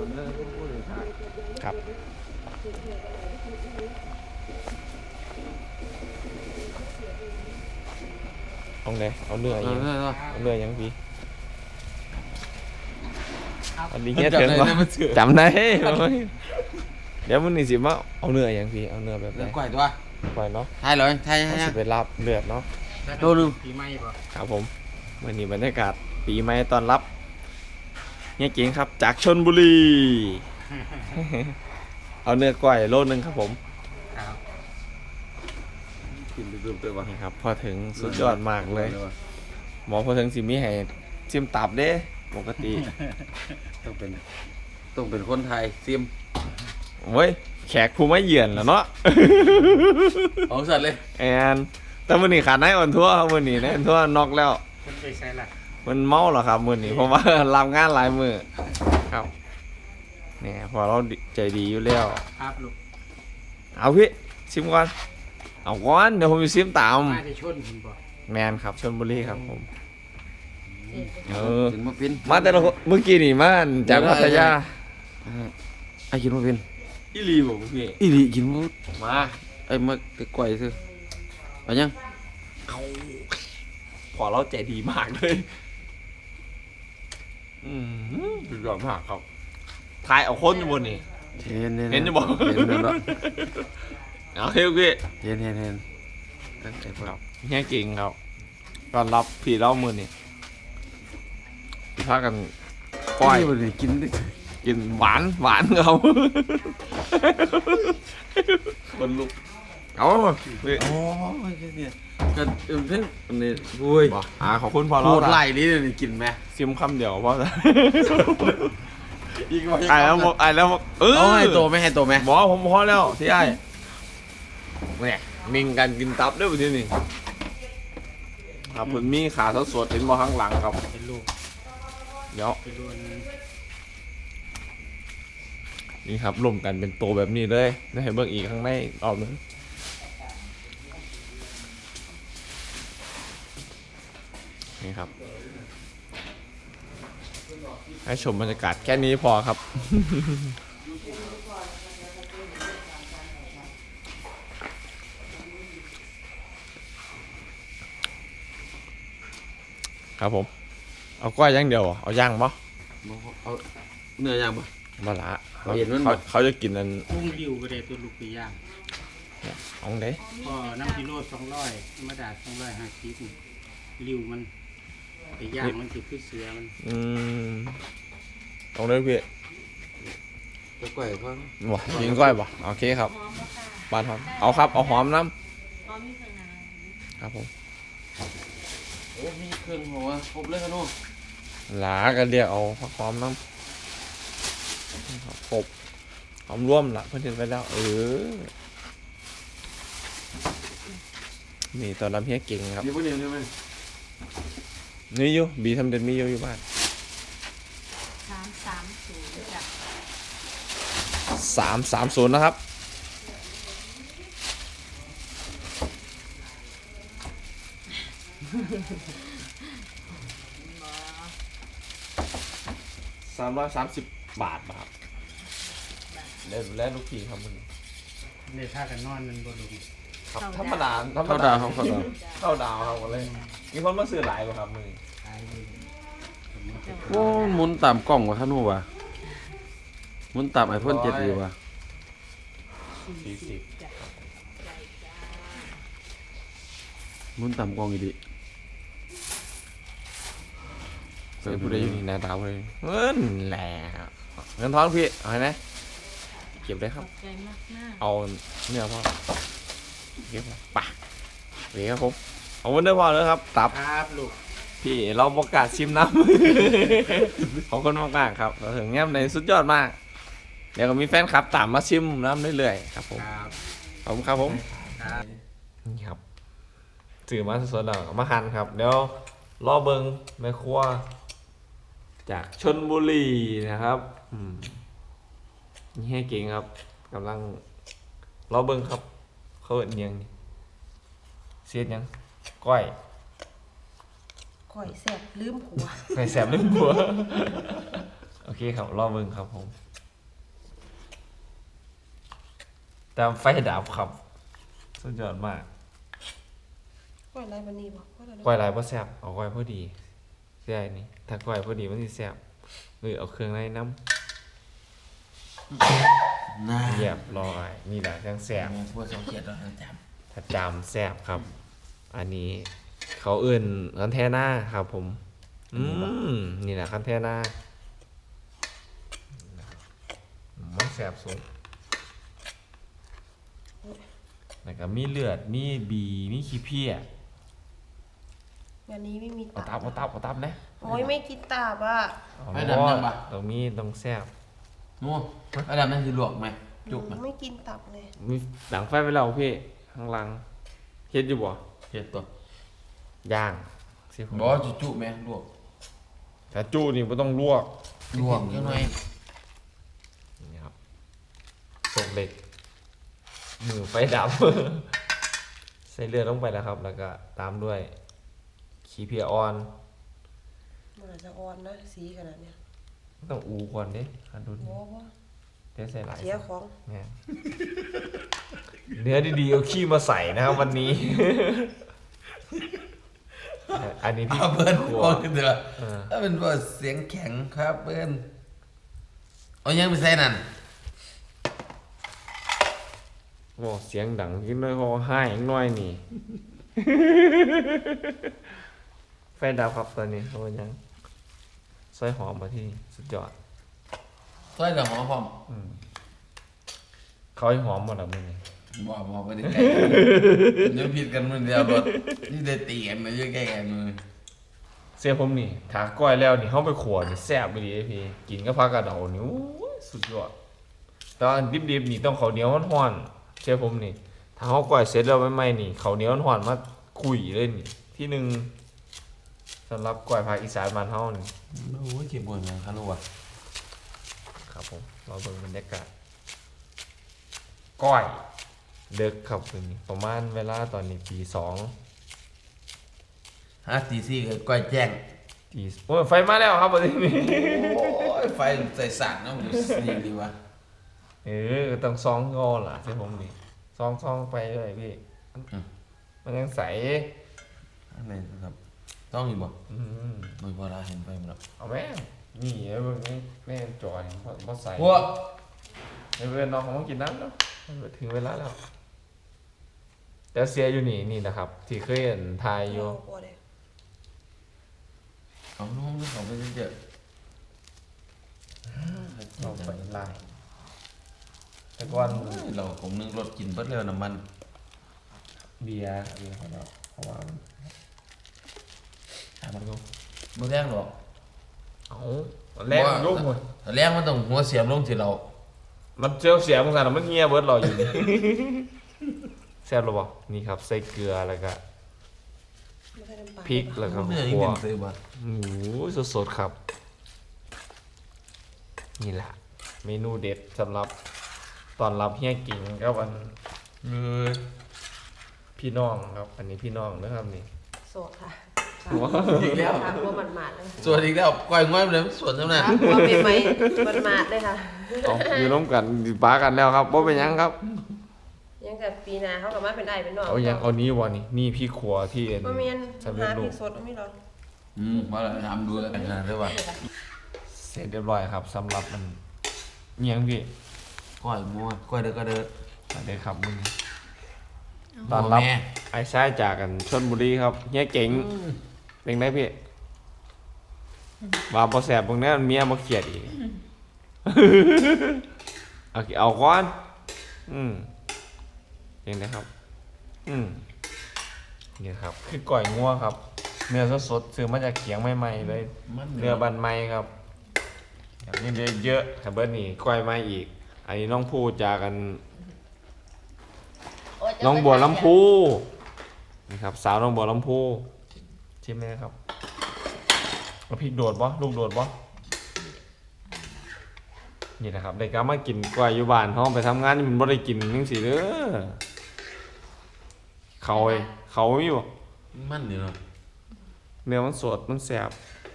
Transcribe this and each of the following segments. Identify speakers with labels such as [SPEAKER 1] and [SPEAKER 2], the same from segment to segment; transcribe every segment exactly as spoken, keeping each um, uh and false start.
[SPEAKER 1] เนื้อก็พูดเลย
[SPEAKER 2] ครับเอาไหนเอาเนื้อยังเอาเนื้อยังพี่อันนี้เงี้ยเถิงวะจำได้เดี๋ยวมึงนี่สิมาเอาเนื้อยังพี่เอาเนื้อแบบไหน
[SPEAKER 1] ก่อยตัว
[SPEAKER 2] ก่อยเนาะ
[SPEAKER 1] ไทยเลยไทย
[SPEAKER 2] ให้สิเป็นลาบเลือดเนาะ
[SPEAKER 1] ตัวนึง
[SPEAKER 3] ปีใหม่ป่ะ
[SPEAKER 2] ครับผมวันนี้บรรยากาศปีใหม่ตอนรับเนี่ยเก่งครับจากชลบุรี เอาเนื้อก่อยโลนึงครับผม
[SPEAKER 1] กินดื่มตัววะ
[SPEAKER 2] นี่ครับพอถึงสุดยอดมากเลยหมอพอถึงสิมีให้ซิมตับเด้ปกติ
[SPEAKER 1] ต้องเป็นต้องเป็นคนไทยซิม
[SPEAKER 2] เว้ยแขกผู้ไม่เยือนแล้วเนาะ
[SPEAKER 1] ของสัตว์เลย
[SPEAKER 2] แอนแต่มื้อนี้ขาดนายอ่อนทั่วครับมื้อนี้นายอ่อนทั่วนอกแล้ว
[SPEAKER 3] มันไปใส่ละ
[SPEAKER 2] มันเมาเหรอครับมื้อนี้เพราะว่ารับงานหลายมื้อครับเนี่ยพอเราใจดีอยู่แล้ว
[SPEAKER 3] ครับลูก
[SPEAKER 2] เอาพี่ซิมก่อนเอาก่อนเดี๋ยวผมจะซิมตาม
[SPEAKER 3] มาได้ชนคุณบ่
[SPEAKER 2] แมนครับชลบุรีครับผมเออ
[SPEAKER 1] กินมาเป็น
[SPEAKER 2] มาแต่ละเมื่อกี้นี่มาจากพัทยา
[SPEAKER 1] ไอ้กินมาเป็น
[SPEAKER 2] อีลีบอกพี่
[SPEAKER 1] อีลีกินมา
[SPEAKER 2] มา
[SPEAKER 1] ไอ้มาไอ้ก่อยซื้อไปยัง
[SPEAKER 2] เอาพอเราใจดีมากเลยอืมสุดยอดมากครับทายเอาคนอยู่บนนี่
[SPEAKER 1] เห็นเห็น
[SPEAKER 2] เห็นจะบอก
[SPEAKER 1] เห็นแล้ว
[SPEAKER 2] เอาเฮ้ยพี่
[SPEAKER 1] เห็นเห็นเห็น
[SPEAKER 2] ครับเฮียกิ่งครับตอนรับพี่เล่ามือนี่พากันปล่อย
[SPEAKER 1] กิน
[SPEAKER 2] กินหวานหวานเขาคนลุกเอา
[SPEAKER 1] พี่อ๋อเนี่ยกันเอ็มเพ่งนี่บุ้ย
[SPEAKER 2] อ่าขอบคุณพอเรา
[SPEAKER 1] พูดไล่นี่เลยกินไหม
[SPEAKER 2] ซิมคำเดียวเพราะไอ้แล้วไอ้แล้วเออ
[SPEAKER 1] ให้โตไม่ให้โตไหม
[SPEAKER 2] บอกผมพอแล้วที่ไอ้เนี่ยมิงกันกินตับด้วยทีนี้ครับผมมีขาสดๆเห็นมาข้างหลังครับ
[SPEAKER 3] เป็นลูก
[SPEAKER 2] เดี๋ยวนี่ครับรวมกันเป็นโตแบบนี้เลยได้เห็นเบื้องอีกข้างในออกนึงนี่ครับให้ชมบรรยากาศแค่นี้พอครับครับผมเอาก้อยย่างเดียวเอาย่างปะ
[SPEAKER 1] เอาเนื้อย่างปะ
[SPEAKER 2] มาละเขาเขาจะกินอัน
[SPEAKER 3] ลุงริวก็ได้ตัวลูกปีย่าง
[SPEAKER 2] เอาเด้
[SPEAKER 3] ก็น้ำกิโลสองร้อยมาดาสองร้อยห้าสิบริวมันไปย่างมันติดขึ้นเสือมัน
[SPEAKER 2] อืมเอาเลยพี่
[SPEAKER 1] จะก้อยพ่อ
[SPEAKER 2] วะยิงก้อยปะโอเคครับบานหอมเอาครับเอาหอมน้ำครับผม
[SPEAKER 1] โอ้มีเครื่องหัวครบเลยครับน้อง
[SPEAKER 2] หลากันเรียกเอาผักหอมน้ำครบหอมร่วมละเพื่อนเห็นไปแล้วเออนี่ตอนรับเฮียเก่งครับ
[SPEAKER 1] มีพวกนี้ใช่ไหม
[SPEAKER 2] นี่อยู่บีทำเด่นมีอยู่อยู่บ้าน
[SPEAKER 4] สามสามศูนย์จ้ะ
[SPEAKER 2] สามสามศูนย์นะครับสามร้อยสามสิบบาทครับเล่นเล่นลูกพีครับมึง
[SPEAKER 3] เล่นท่ากันนอนมันบนลุง
[SPEAKER 2] ครับธรรมดา
[SPEAKER 1] ธรรมดาครับเข้าดาว
[SPEAKER 2] เข้าดาวครับเลยมีคนมาซื้อหลายป่ะครับมึง
[SPEAKER 1] โอ้หมุนตามกล้องวะท่านผู้ว่าหมุนตามไอโฟนเจ็ดดีวะ
[SPEAKER 2] สี่สิบ
[SPEAKER 1] หมุนตามกล้องอีดี
[SPEAKER 2] เฮ้ยพูดได้ยังไงหน้าตาเลยเงินแหละเงินทองพี่เอาไหมเก็บได้ครับเอาเนื้อพ่อเก็บปะเดี๋ยวครับผมเอาเนื้อพ่อเลยครับตับ
[SPEAKER 3] ครับลูก
[SPEAKER 2] พี่เราประกาศชิมน้ำของคนมากๆครับเราถึงแง้มในสุดยอดมากเดี๋ยวก็มีแฟนคลับตามมาชิมน้ำเรื่อยๆครับผมขอบคุณครับผมนี่ครับถือมาสดๆแล้วมาหั่นครับเดี๋ยวรอเบิงแม่ครัวจากชลบุรีนะครับนี่ให้เก่งครับกำลังรอเบิงครับเขาเอิ้นยังเสียดยังก้อย
[SPEAKER 4] ก้อยแสบลืมผัว
[SPEAKER 2] ก้อยแสบลืมผัวโอเคครับรอเบิงครับผมแต่ไฟดับครับสุดยอดมาก
[SPEAKER 4] ก้อยอะไรวันนี้บอกก้อยอะไร
[SPEAKER 2] ก้อยหลายบ่แซ่บเอาก้อยพอดีใช่นี่ถ้าก้อยพอดีมันสิแซ่บหรือเอาเครื่องในน้ำ
[SPEAKER 1] น่า
[SPEAKER 2] เรียบร้อยนี่แหละจังแซ่บ
[SPEAKER 1] พวกสองเขียดเราจ
[SPEAKER 2] ถ้าจามแซ่บครับ อันนี้เขาเอื่นคันแทน่าครับผมอืมนี่แหละคันแทน่ามันแซ่บสุดแล้วก็มีเลือดมีบีมีขี้เพี้ย
[SPEAKER 4] วันนี้ไม่มี
[SPEAKER 2] เอา
[SPEAKER 4] ตั
[SPEAKER 2] ตับเอาตับเอาตับนะ
[SPEAKER 4] โอ้ยไม่กินตับอ่ะ
[SPEAKER 2] เอาบ่ตรงนี้ต้องแซ่บ
[SPEAKER 1] ำนู่นระดับนั้นคือลวกไหมจุกไหม
[SPEAKER 4] ไม่กินตับเลย
[SPEAKER 2] มีหลังไฟไปแล้วพี่ข้างหลังเฮ็ดอยู่บ่
[SPEAKER 1] เขียดตัว
[SPEAKER 2] ย่างสิผม
[SPEAKER 1] บอกจุจุไหมลวก
[SPEAKER 2] ถ้าจูนี่บ่ต้องลวก
[SPEAKER 1] ลวกยังไง
[SPEAKER 2] นี่ครับตกเหล็กมือไฟดับ ใส่เลือดลงไปแล้วครับ แล้วก็ตามด้วยขี้เพียอ่อน
[SPEAKER 4] มันอาจจะอ่อนนะสีขนาดเนี้ย
[SPEAKER 2] ต้องอูก่อนเด้คันดุน
[SPEAKER 4] โอ้โห
[SPEAKER 2] เดี๋ยวใส่หลาย
[SPEAKER 4] เสียของ
[SPEAKER 2] แม่นเนื้อดีๆเอาขี้มาใส่นะครับวันนี้ อันนี้พี่
[SPEAKER 1] เอาเบิ้ล
[SPEAKER 2] ครัว
[SPEAKER 1] บอกเถอะ
[SPEAKER 2] เออ
[SPEAKER 1] ถ้าเป็นว่าเสียงแข็งครับเบิ้ลเอายังไปใส่นั่น
[SPEAKER 2] โอ้เสียงดังขึ้นน้อยคอให้อีกหน้อยนี่ ไฟดับครับตอนนี้เขายังซอยหอมมาที่นี่สุดยอด
[SPEAKER 1] ซอยกับหอมพร้อม
[SPEAKER 2] เขาให้หอมหมดแล้วมึง
[SPEAKER 1] บอกบอกไปได้ไกลเดี๋ยวผิดกันมันเดียวรถนี่ได้ตีกันมาเยอะแก่กันมือ
[SPEAKER 2] เสียผมนี่ถาก้อยแล้วนี่เขาไปขัวนี่แซ่บไปดีไอพี่กินก็พักกระเดานี่โอ้ยสุดยอดแตอนดิบๆนี่ต้องข้าวเหนียวร้อนๆเชื่อผมนี่ถ้าเขาก้อยเสร็จแล้วไม่ไหม้นี่ข้าวเหนียวร้อนๆมาคุยเลยนี่ที่หนึ่งสำหรับก้อยภาคอีสานบ้านเฮานี่
[SPEAKER 1] โอ้ยเจ็บปวดนะคารุวะ
[SPEAKER 2] ครับผมเราเบิ่งบรรยากาศก้อยเด็กครับคืนนี้ประมาณเวลาตอนนี้ตีสอง
[SPEAKER 1] ฮะตีซี่ก็ก้อยแจ้ง
[SPEAKER 2] ตีโอ้ยไฟมาแล้วครับวันนี้
[SPEAKER 1] โอ้ยไฟใส่สั่นเนาะมันดีดีวะ
[SPEAKER 2] เออก็ต้องซองงอล่ะใช่ผมดิซองซองไปเลยพี่มันยังใส
[SPEAKER 1] อันไหนครับ ต้องอยู่บ่
[SPEAKER 2] อืม
[SPEAKER 1] ไม่พอละเห็นไฟมันแล้ว
[SPEAKER 2] เอาแม่งนี่ไอ้เบิ่งนี่แม่งจอยเพราะเพราะใส
[SPEAKER 1] พวก
[SPEAKER 2] ไอ้เพื่อนน้องเขามากินน้ำแล้วถึงเวลาแล้วแต่เสียอยู่นี่นี่นะครับ ที่เคยเห็นทายอยู่
[SPEAKER 4] กลัวเลย
[SPEAKER 1] เอาน้องนึกของไปเจอ
[SPEAKER 2] เราไปไล่แต่ก่อน
[SPEAKER 1] เราผมนึงรถกินเบิดแล้วน้ำมัน
[SPEAKER 2] เบียร์เบียร์ของเราเพราะว่ามัน
[SPEAKER 1] ถามมันก็บ่แรงหรอก
[SPEAKER 2] เอาแรงลูกหมด
[SPEAKER 1] แต่แรงมันต้องหัวเสียบลงที่เรา
[SPEAKER 2] มันเจียวเสียมึงสั่นมันเงียเบิร์ดรออยู่นี่ แซ่บหรือเปล่านี่ครับใส่เกลือแล้วก็
[SPEAKER 4] ไม่ใช่น้ำปลา
[SPEAKER 2] พริกแล้วก็
[SPEAKER 1] ไม่ได้
[SPEAKER 2] ขั
[SPEAKER 1] ยิ
[SPEAKER 2] วน
[SPEAKER 1] เสียบ่
[SPEAKER 2] หมูสดๆครับ นี่แหละ เมนูเด็ดสำหรับตอนรับเฮียกิ่งครับอันคือพี่น้องครับ อันนี้พี่น้องนะครับนี่
[SPEAKER 4] โสดค่ะ
[SPEAKER 2] ว้าว
[SPEAKER 1] อีกแล้ว
[SPEAKER 4] ค่ะกลัวมันหมาดเลย
[SPEAKER 1] ส่วนอีกแล้วก้อยง่อยมันเลยสวนจังนั้น
[SPEAKER 4] ค่ะกลัวเป็นไหมมันหมาดเลยค่ะ
[SPEAKER 2] เอาอยู่ร่วมกันอยู่ป้ากันแล้วครับว่าเป็นหยังครับ
[SPEAKER 4] ยังกับปีหนาเขากับมาเป็นไอเป็นหนอง
[SPEAKER 2] เอาหยังเอานี้วะนี่นี่พี่ครัวที่เอ็น
[SPEAKER 4] บ่แม่น
[SPEAKER 2] สำเร็จ
[SPEAKER 4] หา
[SPEAKER 2] รู
[SPEAKER 4] พริ
[SPEAKER 2] ป
[SPEAKER 4] กสดเอาไม่หรอก
[SPEAKER 1] อืมว่าเราทำดูแล้วกันนะได้ว่า
[SPEAKER 2] เสร็จเรียบร้อยครับสำหรับมันเมียงพี่
[SPEAKER 1] ก้อยมัวก้อยเด้อก็เด้อ
[SPEAKER 2] สวัสดีครับมึงตอนรับ
[SPEAKER 1] แม่
[SPEAKER 2] ไอ้ชายจากกันชลบุรีครับเฮียเก๋งเป็นไงพี่ว่าพอแสบตรงนี้เมียมาเขียดอีก เอาเอาก้อนอืมยังไงครับ อืมนี่ครับ คือก่อยงัวครับ เนื้อสดๆซื้อมาจากเขียงใหม่ๆเลย
[SPEAKER 1] มัน
[SPEAKER 2] เนื้อบันไม้ครับอย่างนี้เนื้อเยอะแต่เบิร์นี่ก้อยมาอีก อันนี้น้องพูดจากกัน น้องบัวลำพูนี่ครับ สาวน้องบัวลำพูชิมไหมครับเอาพริกโดดบ่ลูกโดดบ่นี่นะครับได้กลับมากินกล้วยอยู่บ้านห้องไปทำงานนี่มันบ่ได้กินจังซี่เด้อเขาเอ้ยเขามีบ่
[SPEAKER 1] มันอยู่เนาะ
[SPEAKER 2] เนื้อมันสดมันแซ่บ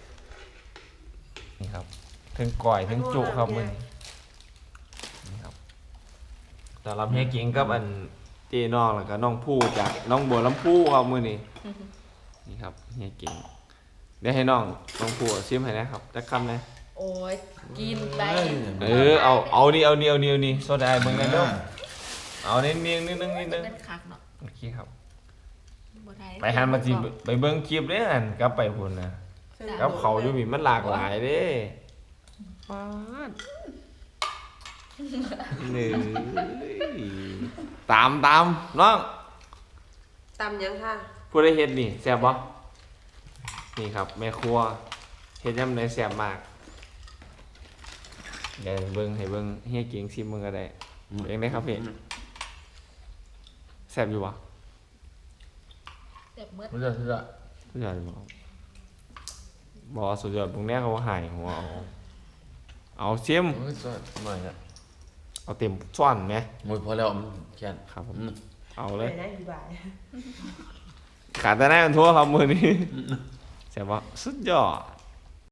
[SPEAKER 2] นี่ครับทั้งก้อยทั้งจุครับมื้อนี้นี่ครับตสำหรับเฮียกิงกับอันเจน้องแล้วก็น้องผู้จากน้องบัวลำพูครับมื้อนี้นี่ครับเฮียกิงเดี๋ยวให้น้องน้องผู้ชิมให้นะครับจักคำนะ
[SPEAKER 5] โอ้ยกินไป
[SPEAKER 2] เออเอาเอานี่เอานี่เอานี่เอานี่โซดาเบิ่งหน่อยเด้อเอานิดนึงนิดนึงนิดนึง
[SPEAKER 5] เป็นคักเนาะ
[SPEAKER 2] โอเคครับ
[SPEAKER 5] บ่ได้
[SPEAKER 2] ไปหันมาสิไปเบิ่งคลิปเด้ออันกลับไปพุ่นนะกับเขาอยู่นี่มันหลากหลายเด้ฟาดนี่ตามตามน้อง
[SPEAKER 4] ตำยังค่ะ
[SPEAKER 2] ผู้ได้เฮ็ดนี่แซ่บบ่นี่ครับแม่ครัวเฮ็ดยำได้แซ่บมากเดี๋ยวเบิ่งให้เบิ่งเฮียเก่งชิมมึงก็ได้เองได้ครับพี่แซ่บอยู่บ่
[SPEAKER 5] เจ็บเมื่อ
[SPEAKER 1] มันจะสุดยอด
[SPEAKER 2] สุดยอดบ่บ่สุดยอดพวกแนี้เขาหายหัวเอาเอาชิม
[SPEAKER 1] โอ้ยสุดหน่อยนะ
[SPEAKER 2] เอาเต็มช้อนไหม
[SPEAKER 1] มวยพอแล้วมันแค่น
[SPEAKER 2] ครับผม
[SPEAKER 1] อืม
[SPEAKER 2] เอา
[SPEAKER 4] ไป
[SPEAKER 2] เลย
[SPEAKER 4] ได้ดีบ่าย
[SPEAKER 2] ขาดแต่แน่กันทั่วครับมือนี้แซ่บบ่สุดยอด